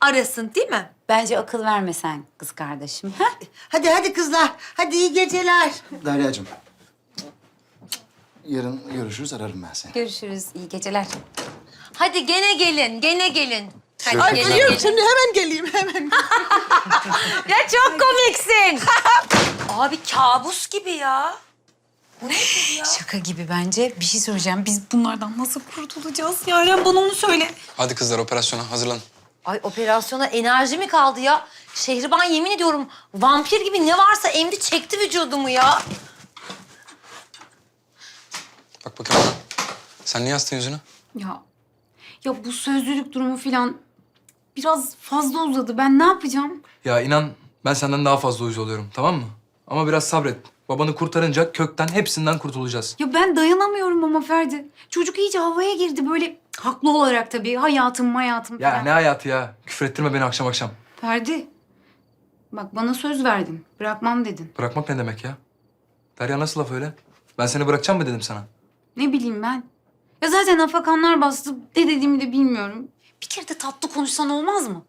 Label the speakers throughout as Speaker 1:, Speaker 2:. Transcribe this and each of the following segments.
Speaker 1: arasın değil mi?
Speaker 2: Bence akıl vermesen kız kardeşim. Ha?
Speaker 3: Hadi kızlar. Hadi iyi geceler.
Speaker 4: Derya'cığım. Yarın görüşürüz, ararım ben seni.
Speaker 2: Görüşürüz. İyi geceler.
Speaker 1: Hadi gene gelin, gene gelin. Hadi
Speaker 3: Ay
Speaker 1: gene
Speaker 3: geliyorum
Speaker 1: gelin.
Speaker 3: şimdi hemen geleyim hemen.
Speaker 1: Ya çok komiksin. Abi kabus gibi ya.
Speaker 2: Şaka gibi bence. Bir şey söyleyeceğim. Biz bunlardan nasıl kurtulacağız? Yaren bana onu söyle.
Speaker 5: Hadi kızlar operasyona hazırlanın.
Speaker 1: Ay operasyona enerji mi kaldı ya? Şehriban yemin ediyorum vampir gibi ne varsa emdi çekti vücudumu ya.
Speaker 5: Bak bakayım bana. Sen niye astın yüzünü?
Speaker 2: Ya bu sözlülük durumu falan biraz fazla uzadı. Ben ne yapacağım?
Speaker 6: Ya inan ben senden daha fazla uyuz oluyorum, tamam mı? Ama biraz sabret. Babanı kurtarınca kökten hepsinden kurtulacağız.
Speaker 2: Ya ben dayanamıyorum ama Ferdi. Çocuk iyice havaya girdi böyle. Haklı olarak tabii. Hayatım
Speaker 6: Ya
Speaker 2: falan.
Speaker 6: ne hayatı ya? Küfür ettirme beni akşam akşam.
Speaker 2: Ferdi. Bak bana söz verdin. Bırakmam dedin.
Speaker 6: Bırakmak ne demek ya? Derya nasıl laf öyle? Ben seni bırakacağım mı dedim sana?
Speaker 2: Ne bileyim ben. Ya zaten afakanlar bastı. Ne dediğimi de bilmiyorum. Bir kere de tatlı konuşsan olmaz mı?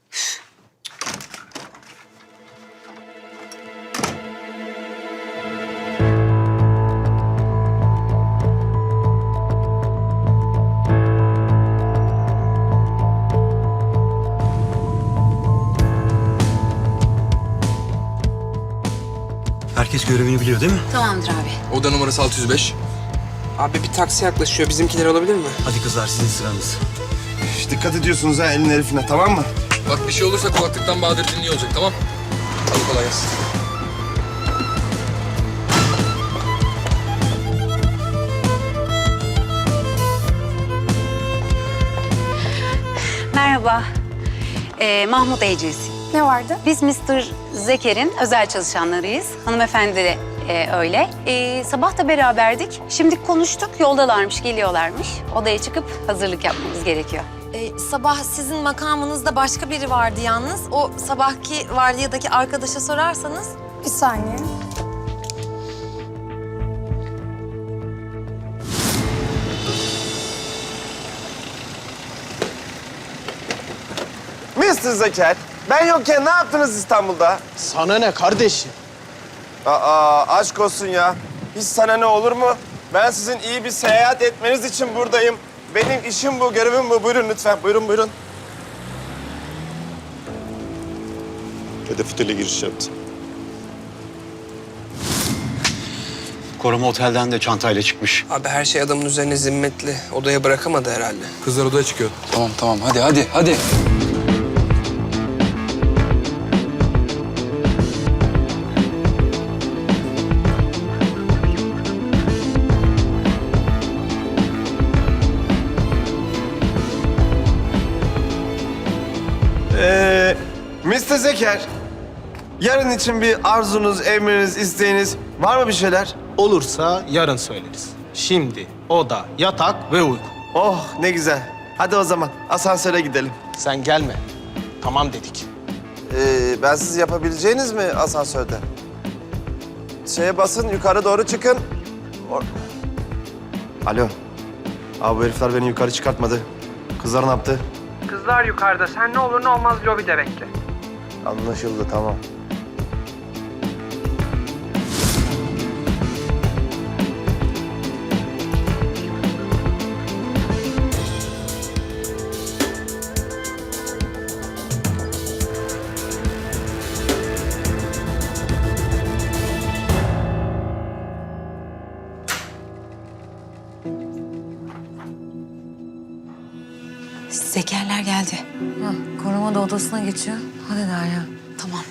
Speaker 7: Herkes görevini biliyor değil mi?
Speaker 2: Tamamdır abi.
Speaker 5: Oda numarası 605.
Speaker 8: Abi bir taksi yaklaşıyor. Bizimkiler olabilir mi?
Speaker 7: Hadi kızlar sizin sıranız.
Speaker 9: Dikkat ediyorsunuz ha elin herifine, tamam mı?
Speaker 5: Bak bir şey olursa kulaklıktan Bahadır dinliyor olacak, tamam? Hadi kolay gelsin.
Speaker 2: Merhaba. Mahmut Agency.
Speaker 10: Ne vardı?
Speaker 2: Biz Mr. Zeker'in özel çalışanlarıyız. Hanımefendi de öyle. Sabah da beraberdik. Şimdi konuştuk. Yoldalarmış, geliyorlarmış. Odaya çıkıp hazırlık yapmamız gerekiyor.
Speaker 1: Sabah sizin makamınızda başka biri vardı yalnız. O sabahki vardiyadaki arkadaşa sorarsanız.
Speaker 10: Bir saniye.
Speaker 9: Mr. Zeker, ben yokken ne yaptınız İstanbul'da?
Speaker 8: Sana ne kardeşim?
Speaker 9: Aa, aşk olsun ya. Hiç sana ne olur mu? Ben sizin iyi bir seyahat etmeniz için buradayım. Benim işim bu, görevim bu. Buyurun lütfen, buyurun. Hedef otele giriş yaptı.
Speaker 7: Koruma otelden de çantayla çıkmış.
Speaker 8: Abi her şey adamın üzerine zimmetli. Odaya bırakamadı herhalde.
Speaker 6: Kızlar odaya çıkıyor.
Speaker 5: Tamam hadi.
Speaker 9: Mr. Zeker, yarın için bir arzunuz, emriniz, isteğiniz var mı bir şeyler?
Speaker 11: Olursa yarın söyleriz. Şimdi oda, yatak ve uyku.
Speaker 9: Oh ne güzel. Hadi o zaman asansöre gidelim.
Speaker 11: Sen gelme. Tamam dedik.
Speaker 9: Ben siz yapabileceğiniz mi asansörde? Şeye basın, yukarı doğru çıkın. Alo. Abi bu herifler beni yukarı çıkartmadı. Kızlar ne yaptı?
Speaker 8: Kızlar yukarıda. Sen ne olur ne olmaz lobide bekle.
Speaker 9: Anlaşıldı, tamam.
Speaker 2: Zekerler geldi.
Speaker 1: Koruma da odasına geçiyor. Hadi Derya.
Speaker 2: Tamam.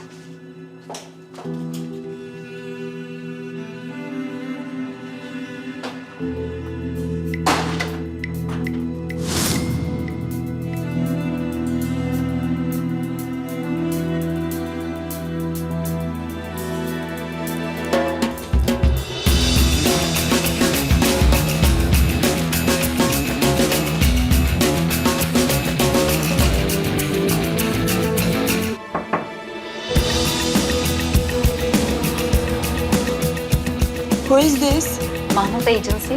Speaker 10: Who is this?
Speaker 2: Mahmut Agency.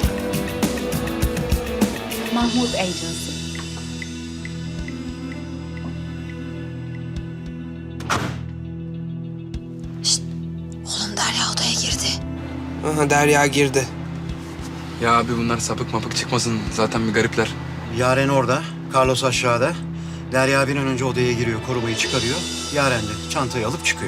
Speaker 2: Mahmut Agency.
Speaker 8: Aha, Derya girdi.
Speaker 6: Ya abi bunlar sapık mapık çıkmasın. Zaten bir garipler.
Speaker 7: Yaren orada, Carlos aşağıda. Derya bir an önce odaya giriyor, korumayı çıkarıyor. Yaren de çantayı alıp çıkıyor.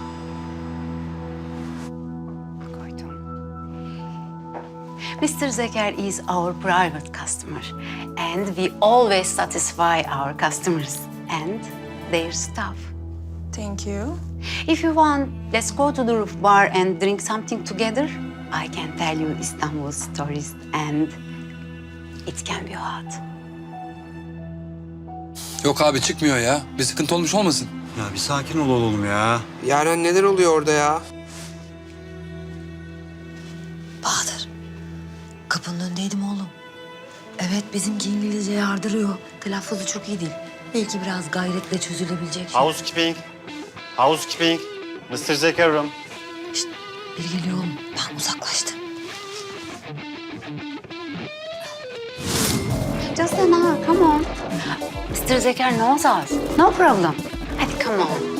Speaker 2: Mr. Zeker is our private customer and we always satisfy our customers and their staff.
Speaker 10: Thank you.
Speaker 2: If you want, let's go to the roof bar and drink something together. I can tell you Istanbul stories and it can be hot.
Speaker 5: Yok abi çıkmıyor ya. Bir sıkıntı olmuş olmasın?
Speaker 7: Ya bir sakin ol oğlum ya.
Speaker 8: Yaren neler oluyor orada ya?
Speaker 1: Bahadır, kapının önündeydim oğlum. Evet, bizimki İngilizce yardırıyor. Telaffuzu çok iyi değil. Belki biraz gayretle çözülebilecek şey.
Speaker 7: Housekeeping. Housekeeping. Mr. Zeker room.
Speaker 1: Şişt, biri geliyor oğlum. Ben uzaklaştım.
Speaker 2: Just an hour, come on. Mr. Zeker knows us. No problem. Hadi come on.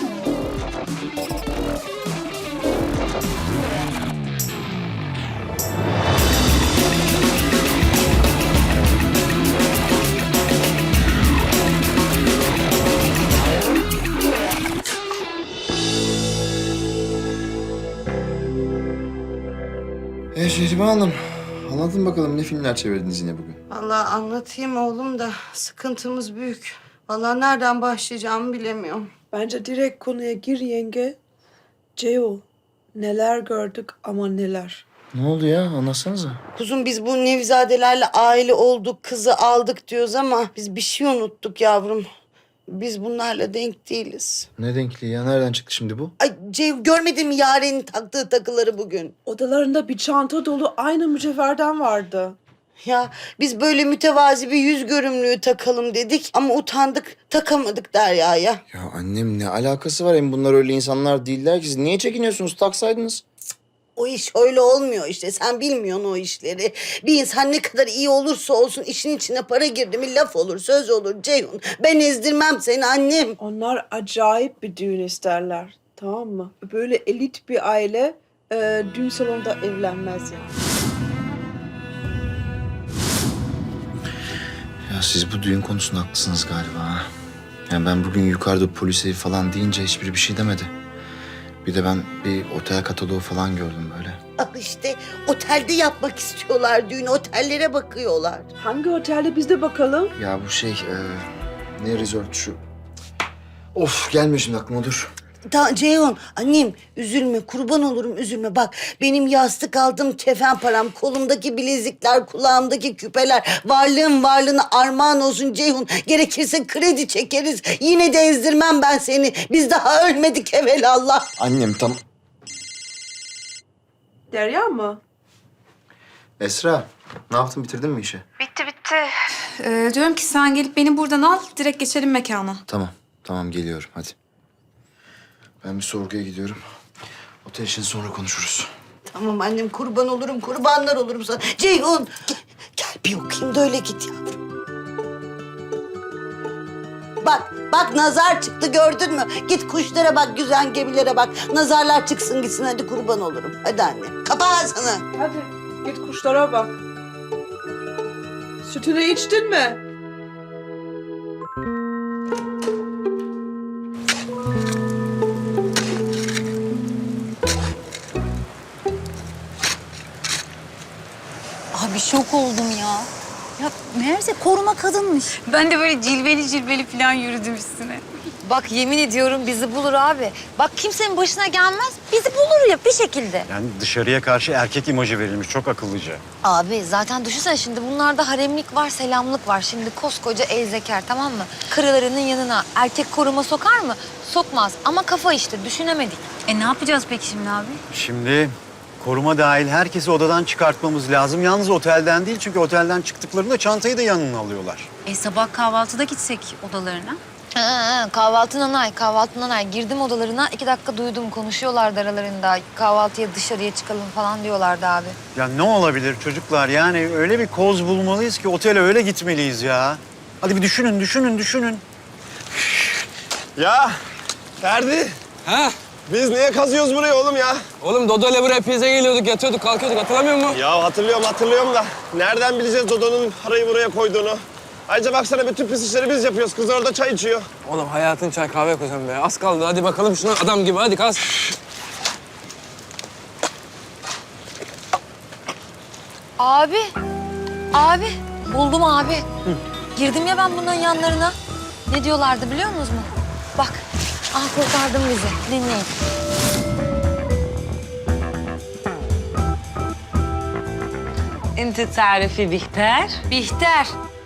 Speaker 4: Şehriban Hanım, anlatın bakalım ne filmler çevirdiniz yine bugün?
Speaker 3: Vallahi anlatayım oğlum da sıkıntımız büyük. Vallahi nereden başlayacağımı bilemiyorum.
Speaker 10: Bence direkt konuya gir yenge. Ceo, neler gördük ama neler.
Speaker 4: Ne oldu ya? Anlatsanıza.
Speaker 3: Kuzum biz bu Nevizadelerle aile olduk, kızı aldık diyoruz ama biz bir şey unuttuk yavrum. Biz bunlarla denk değiliz.
Speaker 4: Ne denkliği ya? Nereden çıktı şimdi bu?
Speaker 3: Ay Ceyhun görmedin mi Yaren'in taktığı takıları bugün?
Speaker 10: Odalarında bir çanta dolu aynı mücevherden vardı.
Speaker 3: Ya biz böyle mütevazi bir yüz görümlüğü takalım dedik ama utandık, takamadık Derya'ya.
Speaker 4: Ya annem ne alakası var? Hem bunlar öyle insanlar değiller ki. Siz niye çekiniyorsunuz? Taksaydınız.
Speaker 3: O iş öyle olmuyor işte. Sen bilmiyorsun o işleri. Bir insan ne kadar iyi olursa olsun işin içine para girdi mi laf olur, söz olur Ceyhun. Ben ezdirmem seni annem.
Speaker 10: Onlar acayip bir düğün isterler. Tamam mı? Böyle elit bir aile düğün salonunda evlenmez yani.
Speaker 4: Ya siz bu düğün konusunda haklısınız galiba ha. Yani ben bugün yukarıda polise falan deyince hiçbiri bir şey demedi. Bir de ben bir otel kataloğu falan gördüm böyle.
Speaker 3: Al işte otelde yapmak istiyorlar düğünü. Otellere bakıyorlar.
Speaker 10: Hangi otelde biz de bakalım?
Speaker 4: Ya bu şey ne resort şu. Of gelmiyor şimdi aklıma dur.
Speaker 3: Ceyhun annem üzülme kurban olurum üzülme. Bak benim yastık aldım kefen param. Kolumdaki bilezikler, kulağımdaki küpeler. Varlığın varlığına armağan olsun Ceyhun. Gerekirse kredi çekeriz. Yine de ezdirmem ben seni. Biz daha ölmedik evelallah.
Speaker 4: Annem tam...
Speaker 10: Derya mı?
Speaker 4: Esra ne yaptın bitirdin mi işi?
Speaker 12: Bitti. Diyorum ki sen gelip beni buradan al, direkt geçelim mekana.
Speaker 4: Tamam geliyorum hadi. Ben bir sorguya gidiyorum. Otel için sonra konuşuruz.
Speaker 3: Tamam annem kurban olurum kurbanlar olurum sana. Ceyhun gel bir okuyayım da öyle git yavrum. Bak nazar çıktı gördün mü? Git kuşlara bak, güzel gemilere bak. Nazarlar çıksın gitsin hadi kurban olurum. Hadi anne. Kapa ağzını.
Speaker 10: Hadi git kuşlara bak. Sütünü içtin mi?
Speaker 2: Abi şok oldum ya. Ya meğerse koruma kadınmış. Ben de böyle cilveli falan yürüdüm üstüne.
Speaker 1: Bak yemin ediyorum bizi bulur abi. Bak kimsenin başına gelmez, bizi bulur ya bir şekilde.
Speaker 7: Yani dışarıya karşı erkek imajı verilmiş. Çok akıllıca.
Speaker 1: Abi zaten düşünsene şimdi bunlarda haremlik var, selamlık var. Şimdi koskoca El Zeker tamam mı? Karılarının yanına erkek koruma sokar mı? Sokmaz ama kafa işte düşünemedik.
Speaker 2: Ne yapacağız peki şimdi abi?
Speaker 7: Şimdi koruma dahil herkesi odadan çıkartmamız lazım. Yalnız otelden değil çünkü otelden çıktıklarında çantayı da yanına alıyorlar.
Speaker 2: Sabah kahvaltıda gitsek odalarına.
Speaker 1: Kahvaltı nanay. Girdim odalarına 2 dakika duydum konuşuyorlardı aralarında. Kahvaltıya dışarıya çıkalım falan diyorlardı abi.
Speaker 7: Ya ne olabilir çocuklar? Yani öyle bir koz bulmalıyız ki otele öyle gitmeliyiz ya. Hadi bir düşünün.
Speaker 9: Ya Ferdi.
Speaker 5: Ha?
Speaker 9: Biz niye kazıyoruz burayı oğlum ya?
Speaker 8: Oğlum Dodo ile buraya pizza geliyorduk, yatıyorduk, kalkıyorduk. Hatırlamıyor musun?
Speaker 9: Ya hatırlıyorum da nereden bileceğiz Dodo'nun parayı buraya koyduğunu? Ayrıca baksana bütün pis işleri biz yapıyoruz. Kız orada çay içiyor.
Speaker 8: Oğlum hayatın çay kahve koysan be. Az kaldı. Hadi bakalım şuna adam gibi. Hadi kas.
Speaker 1: Abi buldum abi. Girdim ya ben bunların yanlarına. Ne diyorlardı biliyor musunuz mu? Bak, kurtardın bizi. Dinleyin.
Speaker 13: انت تعرفي بيختار؟
Speaker 1: Bihter.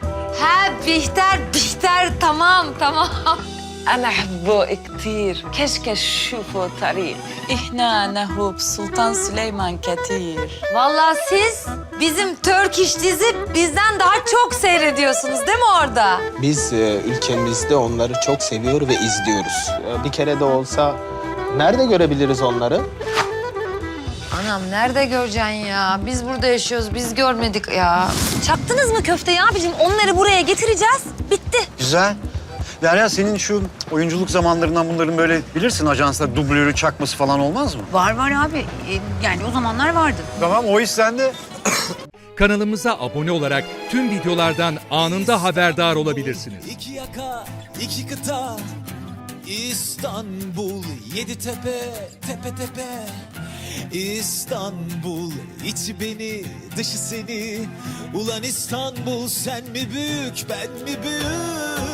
Speaker 1: Bihter. Tamam.
Speaker 13: أنا أحبه كتير كشكش شوفوا طريق إحنا نهوب سلطان سليمان كتير
Speaker 1: Vallahi siz bizim Turkish dizi bizden daha çok seyrediyorsunuz değil mi orada?
Speaker 11: Biz ülkemizde onları çok seviyor ve izliyoruz. Bir kere de olsa nerede görebiliriz onları?
Speaker 1: Anam nerede göreceksin ya? Biz burada yaşıyoruz, biz görmedik ya. Çaktınız mı köfteyi abicim? Onları buraya getireceğiz. Bitti.
Speaker 7: Güzel. Derya senin şu oyunculuk zamanlarından bunların böyle bilirsin ajanslar dublörü çakması falan olmaz mı?
Speaker 2: Var abi. Yani o zamanlar vardı.
Speaker 7: Tamam o iş sende.
Speaker 14: Kanalımıza abone olarak tüm videolardan anında haberdar olabilirsiniz.
Speaker 15: İki yaka, iki kıta, İstanbul, yedi tepe, tepe tepe. İstanbul, içi beni, dışı seni. Ulan İstanbul, sen mi büyük, ben mi büyük?